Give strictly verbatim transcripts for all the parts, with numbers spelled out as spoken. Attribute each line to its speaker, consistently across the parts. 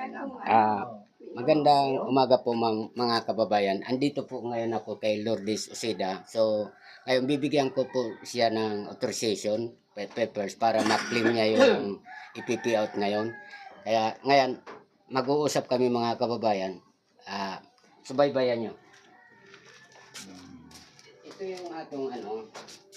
Speaker 1: Ah, magandang umaga po mga, mga kababayan. Andito po ngayon ako kay Lourdes Osida. So, ngayon bibigyan ko po siya ng authorization pa- papers para ma-claim niya yung I P P out ngayon. Kaya ngayon, mag-uusap kami mga kababayan. Ah, subaybayan nyo. Ito yung atong ano.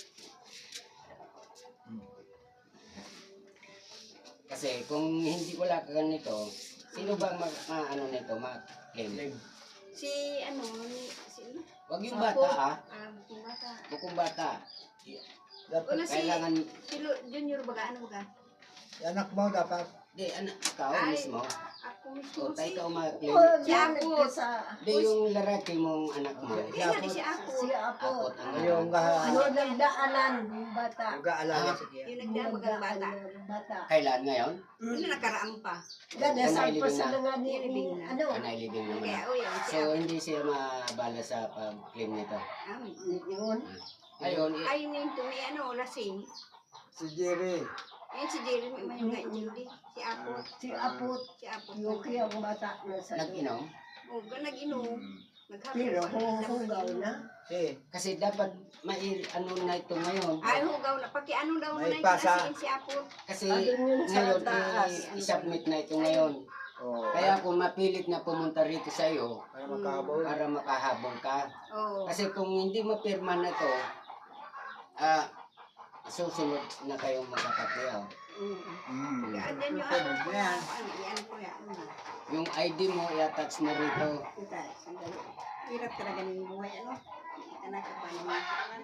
Speaker 1: Kasi kung hindi wala ka ganito, sino ba mag, ma, ano nito, ma-claim?
Speaker 2: Si ano, ni si ano?
Speaker 1: Wag yung bata ah.
Speaker 2: Ah, yung bata.
Speaker 1: Bukong bata.
Speaker 2: Wala si
Speaker 1: Kailangan,
Speaker 2: si Lu- Junior baga ano baga?
Speaker 3: Anak mo dapat.
Speaker 1: di, anak, ikaw
Speaker 2: Ay,
Speaker 1: mismo.
Speaker 2: Ako mismo
Speaker 1: O, tayo
Speaker 2: si
Speaker 1: ka ma-claim.
Speaker 2: si Apo.
Speaker 1: Di, yung lalaki mong anak mo.
Speaker 2: Di nga di si Apo.
Speaker 4: Si Apo.
Speaker 1: Akot ang
Speaker 3: Yung
Speaker 1: anak.
Speaker 4: Ano nagdaanan yung bata.
Speaker 3: mag-aalala
Speaker 1: Ah.
Speaker 3: sige.
Speaker 2: Yung nagdabagang bata.
Speaker 4: Bata.
Speaker 1: Kailan ngayon?
Speaker 2: Ano nakaraan pa.
Speaker 4: Ganda sa
Speaker 1: Nailibing
Speaker 4: pa sa
Speaker 1: na.
Speaker 4: nga ni
Speaker 2: Nailibing na.
Speaker 4: ano.
Speaker 1: Ah, nailibing naman.
Speaker 2: Kaya o yan si
Speaker 1: So,
Speaker 2: Apo.
Speaker 1: hindi siya mabala sa pag-claim nito.
Speaker 2: Ah,
Speaker 4: Yun.
Speaker 1: Ayun, i-
Speaker 2: ay nito may ano lasing.
Speaker 3: Si Jerry.
Speaker 2: Yan si Jeremy may mga hindi. Si Apo.
Speaker 4: Si Apo.
Speaker 2: Si Apo.
Speaker 4: Yung kiyang bata na sa
Speaker 1: nag-inom.
Speaker 2: O, nag-inom. Naghapon
Speaker 4: Pero
Speaker 2: pa.
Speaker 4: huhugaw na.
Speaker 3: Si.
Speaker 1: Kasi dapat mai ano na ito ngayon.
Speaker 2: Ay, hugaw na. Paki ano daw
Speaker 3: May
Speaker 2: na yung
Speaker 3: pasa.
Speaker 2: asiin si Apo.
Speaker 1: Kasi
Speaker 4: Ayun yun sa
Speaker 1: ngayon,
Speaker 4: taas.
Speaker 1: i- i-submit na ito ngayon.
Speaker 3: Oh.
Speaker 1: Kaya kung mapilit na pumunta rito sa iyo,
Speaker 3: para makahabol.
Speaker 1: para makahabol ka.
Speaker 2: Oo.
Speaker 1: Kasi kung hindi mapirma na to, ah, susunod na kayong magkakatiyaw.
Speaker 2: Mm.
Speaker 3: Mm.
Speaker 2: Andyan yung
Speaker 3: Susunod
Speaker 2: ano,
Speaker 3: na yan.
Speaker 2: ano, yan ko yan. Ano.
Speaker 1: Yung I D mo, i-attach mo rito.
Speaker 2: Kita, sandali. Hirap talaga ng buhay, ano? Anak ka pa naman.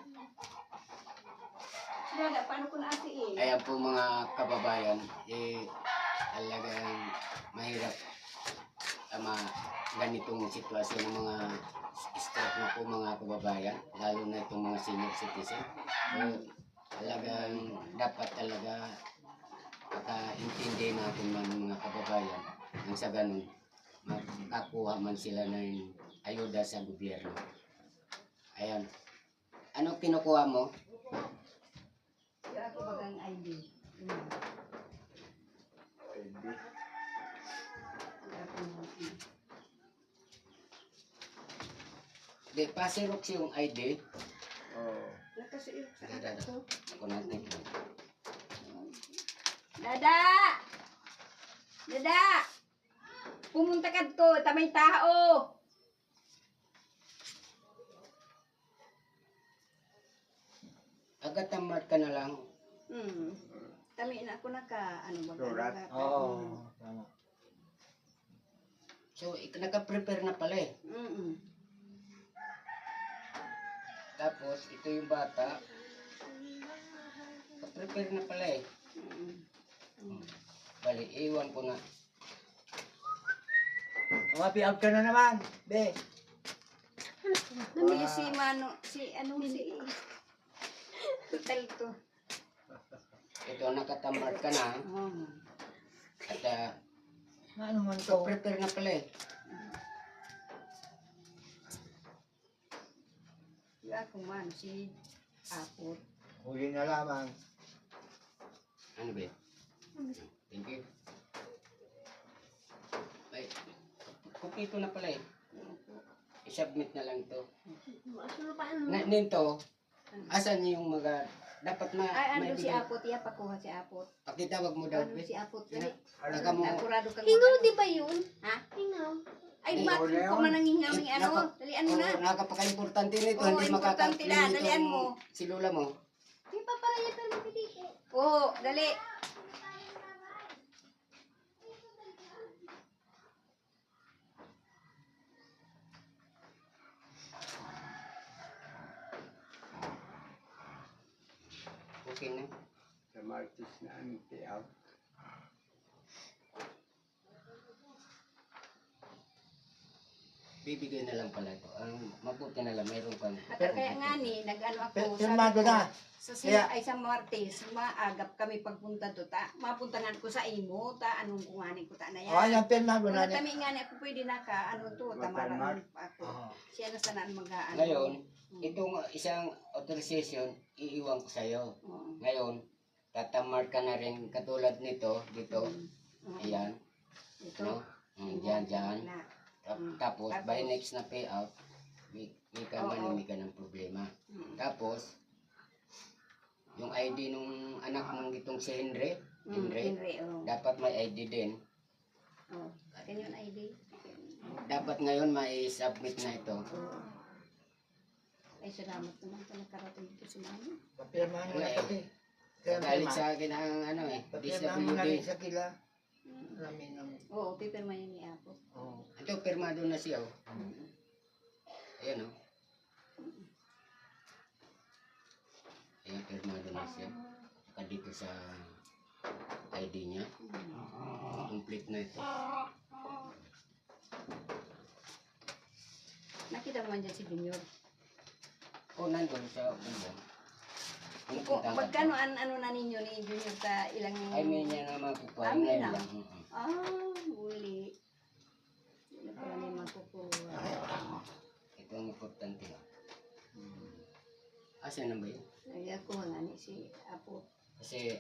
Speaker 2: Dada, paano ko naasiin?
Speaker 1: Kaya po mga kababayan, eh, talagang mahirap tama ganitong sitwasyon ng mga stroke na po mga kababayan, lalo na itong mga senior citizen. So, talagang dapat talaga pagkaintindi natin man mga kababayan nang sa ganun makakuha man sila ng ayuda sa gobyerno. Ayan. Ano kinukuha mo?
Speaker 2: Yung ako bagang I D. Mm.
Speaker 1: Di, pasirok yung I D.
Speaker 3: Oh.
Speaker 2: Nakasuot sa
Speaker 1: Dada,
Speaker 2: anak ko.
Speaker 1: ako natin.
Speaker 2: Dada! Dada! Pumunta ka to, tamay tao!
Speaker 1: Agad tamad ka na lang.
Speaker 2: Hmm. Tami na ako naka, ano ba?
Speaker 3: Surat.
Speaker 2: naka-
Speaker 3: Oo.
Speaker 2: Mm.
Speaker 3: Tama.
Speaker 1: So, ik- naka-prepare na pala eh.
Speaker 2: Mm-mm.
Speaker 1: Tapos, ito yung bata. Naka-prepare na pala eh.
Speaker 2: Mm-mm.
Speaker 1: Bali, iwan ko na.
Speaker 3: Mapi-out ka na naman. Be.
Speaker 2: Namili si Mano, si ano si Total to.
Speaker 1: Ito, nakatamad ka na.
Speaker 2: Oh.
Speaker 1: At uh,
Speaker 3: Ano man to?
Speaker 1: prepare na pala eh.
Speaker 2: Yung ako man, si Apo.
Speaker 3: Huli na lamang.
Speaker 1: Ano ba? Thank you. Ay, kumpito na pala eh. I-submit na lang to. Na, nito, asan yung mga, dapat ma,
Speaker 2: Ay, ano si
Speaker 1: maibigay-
Speaker 2: Apo, tiya pakuha si Apo.
Speaker 1: Pakitawag mo daw,
Speaker 2: Ano
Speaker 1: be.
Speaker 2: si Apo,
Speaker 1: Yan
Speaker 2: dali.
Speaker 1: na. Taga mo.
Speaker 2: Nakurado kang
Speaker 5: Hingaw
Speaker 2: mag-
Speaker 5: di ba yun?
Speaker 2: Ha?
Speaker 5: Hingaw.
Speaker 2: Ay,
Speaker 1: Ay,
Speaker 2: bakit
Speaker 3: wala
Speaker 2: ko
Speaker 3: yun.
Speaker 2: na nangingaw ng
Speaker 1: Eh,
Speaker 2: ano?
Speaker 1: naka-
Speaker 2: Dalian mo
Speaker 1: Oo,
Speaker 2: na.
Speaker 1: nakapaka-importante nito.
Speaker 2: Oo,
Speaker 1: hindi
Speaker 2: importante
Speaker 1: makaka-claim
Speaker 2: na.
Speaker 1: nitong
Speaker 2: Dalian mo.
Speaker 1: Si Lola mo.
Speaker 5: Di pa para yan pero mapidiki.
Speaker 2: Oo, dali.
Speaker 1: Okay na.
Speaker 3: Sa Martis na ang payout.
Speaker 1: Bibigay na lang pala ito. Ang mabuti na lang, mayroon kang...
Speaker 2: At kaya nga ni, nag-ano ako.
Speaker 3: Pe-
Speaker 2: sabi
Speaker 3: pirmado
Speaker 2: ko,
Speaker 3: na.
Speaker 2: Sa
Speaker 3: Kaya-
Speaker 2: sila ay sa Martes, maagap kami pagpunta to ta. Mapuntahan ko sa imo ta anong kuhanin ko ta na yan.
Speaker 3: Oh, yan pirmado
Speaker 2: Mga
Speaker 3: na niya.
Speaker 2: tami nga ni ako pwede na ka ano to, tamaran
Speaker 3: Matarmar.
Speaker 2: ako.
Speaker 3: Oo.
Speaker 2: Siya na sana mag-aano.
Speaker 1: Ngayon,
Speaker 2: Mm.
Speaker 1: itong isang authorization, iiwan ko sa'yo.
Speaker 2: Oo.
Speaker 1: Ngayon, tatamar ka na rin katulad nito, dito.
Speaker 2: Mm.
Speaker 1: Ayan.
Speaker 2: Ito.
Speaker 1: No? Mm. yan dyan.
Speaker 2: Na.
Speaker 1: Tap-
Speaker 2: Mm.
Speaker 1: Tapos, by
Speaker 2: Tapos-
Speaker 1: next na payout, may, may ka
Speaker 2: Oo.
Speaker 1: man, may ka ng problema.
Speaker 2: Mm.
Speaker 1: Tapos, yung I D nung anak mong itong si Henry,
Speaker 2: Mm,
Speaker 1: Henry,
Speaker 2: Henry, oh.
Speaker 1: dapat may I D din.
Speaker 2: Oh. Akin yung I D.
Speaker 1: Dapat ngayon may submit na ito.
Speaker 2: Oh. Ay, salamat naman ka nakarating dito si Mami.
Speaker 3: Papirmahan mo
Speaker 1: Wala
Speaker 3: na
Speaker 1: eh.
Speaker 3: kasi.
Speaker 1: Galit sa akin ang ano eh,
Speaker 3: Papirmahan mo na rin
Speaker 1: D S W D.
Speaker 3: sa kila.
Speaker 2: Mm.
Speaker 3: Marami naman.
Speaker 2: Oo, paper man yun ni Apo.
Speaker 3: Oo.
Speaker 1: Ito, pirmado na siya. Oh.
Speaker 2: Mm.
Speaker 1: Ayan oh. Ayan, pirmado na siya. Saka dito sa I D niya. Complete na ito.
Speaker 2: Nakita mo man dyan si Junior.
Speaker 1: Oh, nandun sa ulo. Ano
Speaker 2: Kung
Speaker 1: punta ka?
Speaker 2: magkano an, ano na ninyo ni Junior sa ilang...
Speaker 1: Ay, may niya na makukuha.
Speaker 2: Ah, may
Speaker 1: Ngayon
Speaker 2: na.
Speaker 1: lang. Mm-mm.
Speaker 2: Ah, huli. Hindi na pala niya makukuha.
Speaker 1: Ito ang importante. Asa na ba yun?
Speaker 2: Nagakuha nga ni si Apo.
Speaker 1: Kasi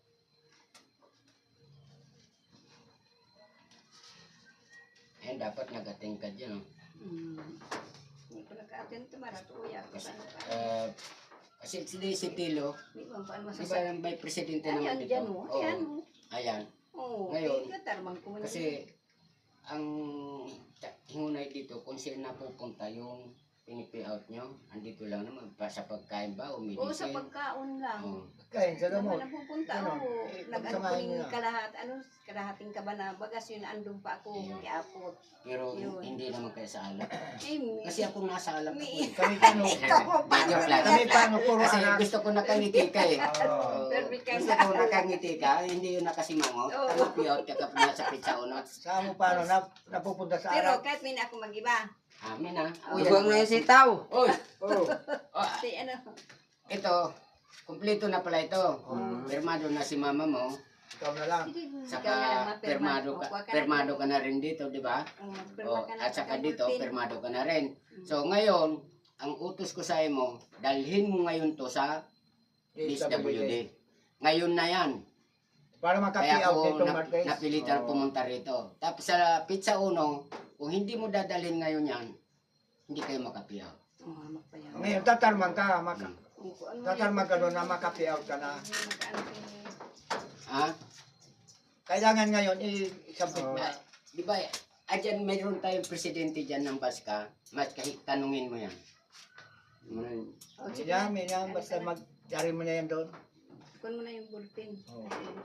Speaker 1: ayan, dapat nag-attend ka dyan. Oh.
Speaker 2: Hmm. Hindi ko naka-attend to maratuya ko sa ano pa.
Speaker 1: Uh, kasi si si Tilo,
Speaker 2: Hindi mo paano
Speaker 1: di ba
Speaker 2: masasabi.
Speaker 1: yung may presidente
Speaker 2: Ayan,
Speaker 1: naman dito?
Speaker 2: dyan mo.
Speaker 1: Oo.
Speaker 2: Ayan mo.
Speaker 1: Ayan.
Speaker 2: Oo.
Speaker 1: Ngayon,
Speaker 2: Ngayon. Tarmang ko man.
Speaker 1: Kasi ang ta- hinunay dito, kung saan napupunta yung pinipi-out nyo, andito lang naman, pa sa pagkain ba o medicine?
Speaker 2: Oo, sa pagkaon lang.
Speaker 1: Oo.
Speaker 3: Kain sa
Speaker 2: Naman
Speaker 3: gamot.
Speaker 2: napupunta
Speaker 3: Ganon.
Speaker 2: ako.
Speaker 3: Eh,
Speaker 2: Nag-ano ko
Speaker 3: pagsamahin
Speaker 2: rin
Speaker 3: mo na.
Speaker 2: kalahat, ano, kalahating ka ba na bagas yun, andun pa ako,
Speaker 1: Ayun.
Speaker 2: kay Apo.
Speaker 1: Pero
Speaker 2: Yun.
Speaker 1: hindi naman kayo sa alak.
Speaker 2: Eh, mi-
Speaker 1: Kasi ako nasa alak ako.
Speaker 2: mi-
Speaker 1: eh.
Speaker 3: Kami paano?
Speaker 2: Ikaw mo pa.
Speaker 1: Joke lang.
Speaker 3: Kami paano puro
Speaker 1: Kasi
Speaker 3: anak.
Speaker 1: gusto ko nakangiti ka eh.
Speaker 3: Oo.
Speaker 2: Perfect ka
Speaker 1: Gusto
Speaker 2: na.
Speaker 1: ko nakangiti ka, hindi yun nakasimangot.
Speaker 2: Oo.
Speaker 1: Tamapiot ka kapag nasa pizza unot.
Speaker 3: Saan mo paano na, napupunta sa
Speaker 2: Pero
Speaker 3: Arab?
Speaker 2: kahit may na ako mag-iba.
Speaker 1: Amin ah.
Speaker 2: Uy,
Speaker 1: Uy,
Speaker 2: ano
Speaker 1: yung sitaw. Uy.
Speaker 3: Oo.
Speaker 1: Oh,
Speaker 2: Si ano,
Speaker 1: ito, kumpleto na pala ito. Pirmado na si mama mo.
Speaker 3: Ikaw na lang.
Speaker 2: ikaw na lang
Speaker 1: Saka
Speaker 2: mapirma.
Speaker 1: pirmado ka,
Speaker 2: Kuha na
Speaker 1: pirmado
Speaker 2: ng-
Speaker 1: ka na rin dito, di ba?
Speaker 2: Oo, magpirma
Speaker 1: Oh,
Speaker 2: ka na
Speaker 1: at saka
Speaker 2: ng
Speaker 1: dito,
Speaker 2: bulletin.
Speaker 1: pirmado ka na rin. So ngayon, ang utos ko sa mo, dalhin mo ngayon to sa D S W D. Ngayon na yan.
Speaker 3: Para
Speaker 1: Kaya
Speaker 3: makapi-out
Speaker 1: ako
Speaker 3: nitong
Speaker 1: nap-
Speaker 3: Marquez.
Speaker 1: napilitan
Speaker 3: Oo.
Speaker 1: pumunta rito. Tapos sa pizza uno, kung hindi mo dadalhin ngayon yan, hindi kayo makapiyaw.
Speaker 2: Oo, hamak pa yan.
Speaker 3: Ngayon, tatarman ka. Maka,
Speaker 2: Oo, kung ano
Speaker 3: tatarman
Speaker 2: yan,
Speaker 3: ka doon na makapi-out ka na.
Speaker 2: Magkaano kayo?
Speaker 1: Ha?
Speaker 3: Kailangan ngayon, i-submit mo.
Speaker 1: Ah, di ba, adyan mayroon tayong presidente dyan ng Baska, mas kahit tanungin mo yan.
Speaker 2: Oh, sige
Speaker 3: Yan,
Speaker 2: na.
Speaker 3: yan,
Speaker 2: Ano
Speaker 3: basta
Speaker 2: ka na?
Speaker 3: mag-dari mo na yan doon.
Speaker 2: Kunin mo na yung bulletin.
Speaker 3: Oo.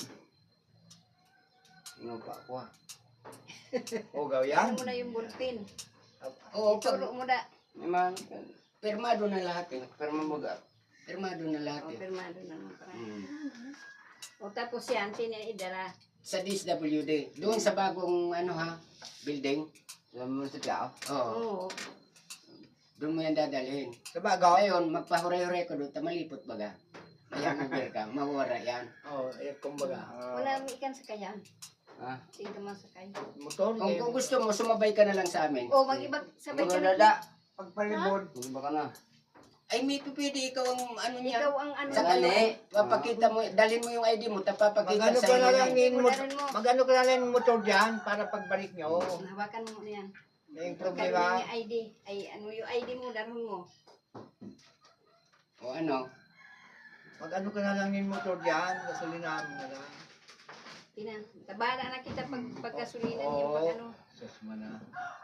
Speaker 1: Ano pa ako ha?
Speaker 3: O, gawyan.
Speaker 2: Kunin mo na yung bulletin.
Speaker 1: Oo, pag
Speaker 2: Turo mo na.
Speaker 1: naman, pirmado na lahat eh. Pirmado Pirmado na lahat
Speaker 2: O,
Speaker 1: eh.
Speaker 2: pirmado na naman para.
Speaker 1: Hmm.
Speaker 2: O, tapos yan, sinidara.
Speaker 1: Sa D S W D, doon sa bagong ano ha, building. Alam mo sa tao? Oo.
Speaker 2: Oo.
Speaker 1: Doon mo yan dadalhin.
Speaker 3: Sa bagaw?
Speaker 1: Ngayon, magpahuray-huray ko doon, tamalipot baga. Kaya uber ka, mawara yan.
Speaker 3: Oo, eh, kumbaga.
Speaker 2: Wala mo ikan sa kayan.
Speaker 1: Ha?
Speaker 2: Sige man sa kayan.
Speaker 3: Motor,
Speaker 1: Kung,
Speaker 3: eh.
Speaker 1: kung gusto mo, sumabay ka na lang sa amin.
Speaker 2: O, mag-ibag sabay ka na.
Speaker 3: Pagpalibod.
Speaker 1: Ay, may pipili, ikaw ang ano niya.
Speaker 2: Ikaw ang ano.
Speaker 1: Sa kanya, papakita mo, dalhin mo yung I D mo, tapapakita
Speaker 3: Magano
Speaker 1: sa
Speaker 3: ka na lang
Speaker 1: inyo.
Speaker 3: yung motor,
Speaker 2: Dalhin mo.
Speaker 3: magano ka na lang yung motor dyan para pagbalik nyo.
Speaker 2: Hawakan mo na yan.
Speaker 3: May
Speaker 2: Pagkaroon
Speaker 3: problema.
Speaker 2: yung I D. Ay, ano yung I D mo, darun mo.
Speaker 1: O ano,
Speaker 3: Magano ka na lang yung motor dyan, gasolinahan mo na lang.
Speaker 2: Tina, tabala na kita pag pagkasulinan
Speaker 3: Oo.
Speaker 2: yung pag ano.
Speaker 3: Sus mo na.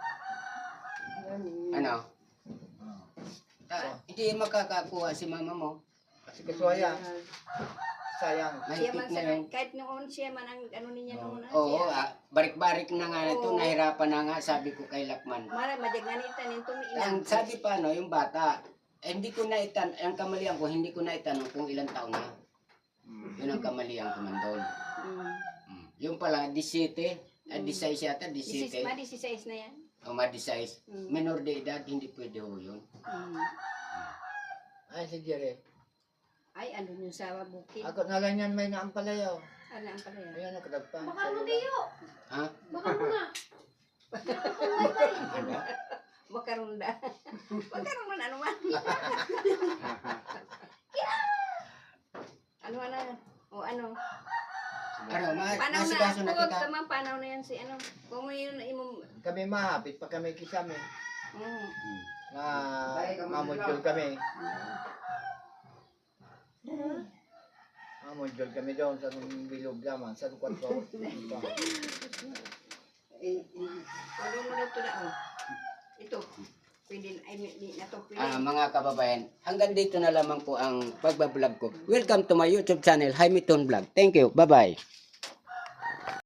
Speaker 1: ano. Ah, hindi makakakuha si mama mo.
Speaker 3: Kasi kasuaya, sayang.
Speaker 2: Siya
Speaker 1: Mahigpit
Speaker 2: man
Speaker 1: na
Speaker 2: sa,
Speaker 1: yun.
Speaker 2: kahit noon siya man ang ano niya noon. ah,
Speaker 1: Oo,
Speaker 2: siya.
Speaker 1: ah, barik-barik na nga ito,
Speaker 2: Oo.
Speaker 1: nahirapan na nga, sabi ko kay Lakman.
Speaker 2: Mara, madyaganitan yung tumiilang.
Speaker 1: Ang sabi pa, no, yung bata, eh, hindi ko na itan, ang kamalian ko, hindi ko na itanong kung ilang taon na. Yun ang kamalian ko man doon.
Speaker 2: Mm.
Speaker 1: Mm. Yung pala, disete, ah, disay yata,
Speaker 2: Disis,
Speaker 1: disete.
Speaker 2: ma, disisize na yan.
Speaker 1: O ma-disay.
Speaker 2: Mm.
Speaker 1: Minor de edad, hindi pwede ho yun.
Speaker 2: Mm.
Speaker 3: Ay, si Jerry.
Speaker 2: Ay, ano yun sa bukid.
Speaker 3: Ako na lang yan may naampalayaw.
Speaker 2: Ano ang pala yan?
Speaker 3: Ayan, nakadagpa.
Speaker 5: Baka mo tiyo.
Speaker 1: Ha?
Speaker 5: Baka mo na.
Speaker 1: Ano?
Speaker 2: Makarunda. Makarunda man, ano man. Ano na? O ano?
Speaker 1: Ano, ma
Speaker 2: Panaw na.
Speaker 1: masikaso na
Speaker 2: Huwag
Speaker 1: kita.
Speaker 2: tama, panaw na yan si ano. Kung may yun, imong
Speaker 3: kami mahapit pa kami kisame.
Speaker 2: Mm.
Speaker 3: Na mamudjol kami. Mamudjol kami doon sa bilog naman, sa lukwat ko.
Speaker 2: Eh, eh, ano mo na ito na, oh. Ito. Pwede, ay, hindi na to pwede.
Speaker 1: Ah, mga kababayan, hanggang dito na lamang po ang pagbablog ko. Welcome to my YouTube channel, Jaime Ton Vlog. Thank you. Bye-bye.